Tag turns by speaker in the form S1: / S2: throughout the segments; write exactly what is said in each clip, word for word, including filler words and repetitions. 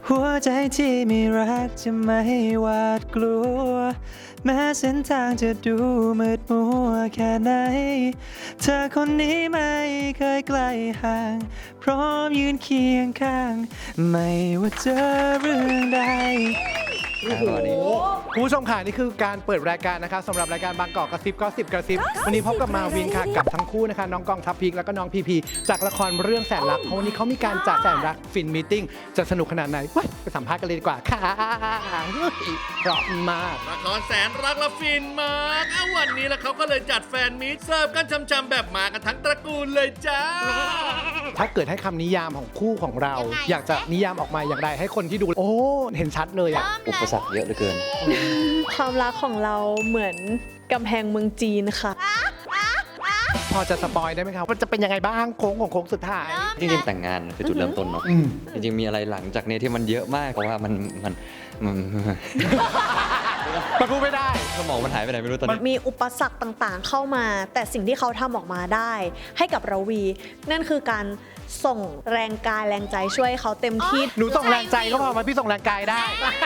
S1: หัวใจที่ไม่รักจะไม่หวาดกลัวแม้เส้นทางจะดูมืดมัวแค่ไหนเธอคนนี้ไม่เคยไกลห่างพร้อมยืนเคียงข้างไม่ว่าเจอเรื่องใดคุณผู้ชมค่ะนี่คือการเปิดรายการนะคะสำหรับรายการบางกอกกระซิบก็สิบกระซิบวันนี้พบกับมาวินค่ะกับทั้งคู่นะคะน้องกองทัพพีคแล้วก็น้องพีพีจากละครเรื่องแสนรักเพราะวันนี้เขามีการจัดแสนรักฟินมีตติ้งจะสนุกขนาดไหนไปสัมภาษณ์กันเลยดีกว่าค่ะเพราะมาก
S2: ละครแสนรักและฟินมากเอาวันนี้แล้วเขาก็เลยจัดแฟนมีตเสิร์ฟกันช้ำๆแบบมากันทั้งตระกูลเลยจ้า
S1: ถ้าเกิดให้คำนิยามของคู่ของเรา อยากจะนิยามออกมาอย่างไรให้คนที่ดูโอ้เห็นชัดเลยอะ
S3: อุปสรรคเยอะเหลือเกิน
S4: ความรักของเราเหมือนกำแพงเมืองจีนค่ะ
S1: พอจะสปอยได้ไหมครับมันจะเป็นยังไงบ้างโค้งของโค้งสุดท้าย
S3: จริงๆแต่งงานคือจุดเริ่มต้นเนาะจริงๆมีอะไรหลังจากนี้ที่มันเยอะมากเพราะว่ามันมันมัน
S1: มันพูดไม่ได้
S3: สมองมันหายไปไหนไม่รู้ตอนนี้
S4: มีอุปสรรคต่างๆเข้ามาแต่สิ่งที่เขาทำออกมาได้ให้กับเราวีนั่นคือการส่งแรงกายแรงใจช่วยเขาเต็มที่
S1: หนูส่งแรงใจก็พอมาพี่ส่งแรงกายได้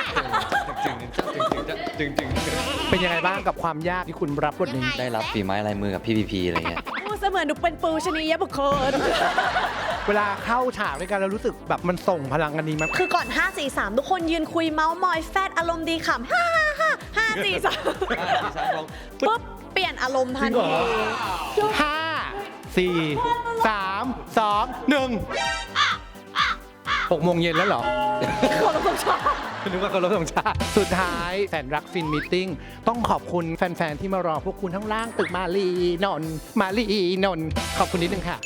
S3: จริงจริง
S1: เป็นยังไงบ้างกับความยากที่คุณรับบทนี้
S3: ได้รับฝีไม้ลายมือกับพี่พีพีอะไรเงี้ย
S4: เสมือนดูเป็นปูชนียบุคคล
S1: เวลาเข้าฉากด้วยกันเรารู้สึกแบบมันส่งพลังกันดีมั้ย
S4: คือก่อนห้า สี่ สามทุกคนยืนคุยเมาส์มอยแฟดอารมณ์ดีขำห้าห้าห้าสี่ สามปุ๊บเปลี่ยนอารมณ์ทันที
S1: ห้า สี่ สาม สอง หนึ่ง หกโมงเย็นแล้วเหรอ
S4: ขอรบธงชาติ
S1: นึกว่าขอรบธงชาติสุดท้ายแสนรักฟินมีตติ้งต้องขอบคุณแฟนๆที่มารอพวกคุณทั้งล่างตึกมาลีนนท์มาลีนนท์ขอบคุณนิดนึงค่ะ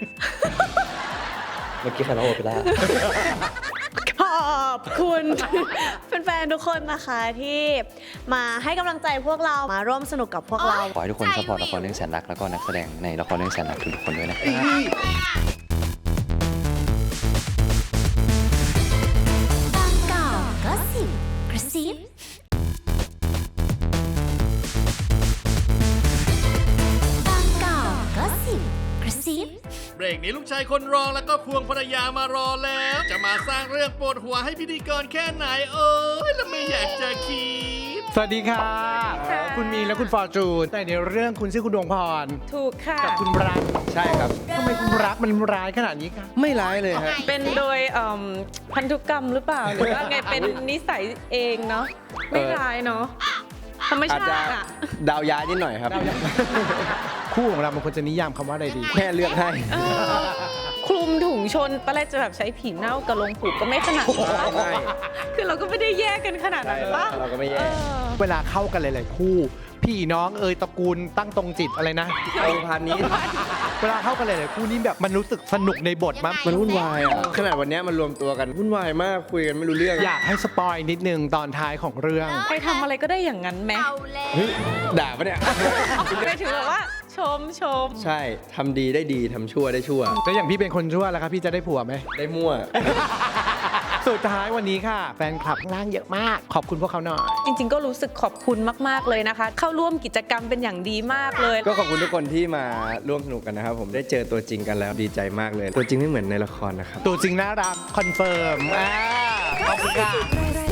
S3: เมื่อกี้ใครร้องโอเปร่า
S4: ขอบคุณแฟนๆทุกคนนะคะที่มาให้กำลังใจพวกเรามาร่วมสนุกกับพวกเรา
S3: ขอให้ทุกคนซัพพอร์ตละครเรื่องแสนรักแล้วก็นักแสดงในละครเรื่องแสนรักทุกคนด้วยนะครับ
S2: เบรกนี้ลูกชายคนรองแล้วก็ควงภรรยามารอแล้วจะมาสร้างเรื่องปวดหัวให้พิธีกรแค่ไหนเอ้ยแล้วไม่อยากจะคิด
S1: สวัสดีค่ะคุณมีและคุณฟอร์จูนแต่ในเรื่องคุณชื่อคุณดวงพร
S4: ถูกค่ะ
S1: กับคุณรัก
S5: ใช่ครับ
S1: ทำไมคุณรักมันร้ายขนาดนี้คะ
S5: ไม่ร้ายเลยฮะ
S4: เป็นโดยพันธุกรรมหรือเปล่าหรือว่าไงเป็นนิสัยเองเนาะไม่ร้ายเนาะธรรมชาติอะ
S5: ดาวย้ายนิดหน่อยครับ
S1: คู่ของเรามันควรจะนิยามคำว่าอะไรดี
S5: แค่เลือกให้
S4: คลุมถุงชนตอนแรกจะแบบใช้ผีเน่ากับลงผูกก็ไม่ขนาดนั้นคือเราก็ไม่ได้แยกกันขนาดนั้นป่ะ
S5: เราก็ไม่แยก
S1: เวลาเข้ากันหลายๆคู่พี่น้องเอ่ยตระกูลตั้งตรงจิตอะไรนะ
S5: องค์พันนี้
S1: เวลาเข้ากันหลายๆคู่นี่แบบมันรู้สึกสนุกในบทมั้ย
S5: มันวุ่นวายอ่ะขนาดวันนี้มันรวมตัวกันวุ่นวายมากคุยกันไม่รู้เรื่อง
S1: อยากให้สปอยนิดนึงตอนท้ายของเรื่อง
S4: ใครทำอะไรก็ได้อย่างนั้นไหม
S5: ด่าปะเนี่ย
S4: ไม่ถือแบบว่าชมชม
S5: ใช่ทำดีได้ดีทำชั่วได้ชั่ว
S1: แล้วอย่างพี่เป็นคนชั่วแล้วครับพี่จะได้ผัวไหม
S5: ได้มั่ว
S1: สุดท้ายวันนี้ค่ะแฟนคลับข้างล่างเยอะมากขอบคุณพวกเขาหน่อย
S4: จริงๆก็รู้สึกขอบคุณมากๆเลยนะคะเข้าร่วมกิจกรรมเป็นอย่างดีมากเลย
S5: ก็ขอบคุณทุกคนที่มาร่วมสนุกกันนะครับผมได้เจอตัวจริงกันแล้วดีใจมากเลยตัวจริงไม่เหมือนในละครนะครับ
S1: ตัวจริงน่ารักคอนเฟิร์มขอบคุณค่ะ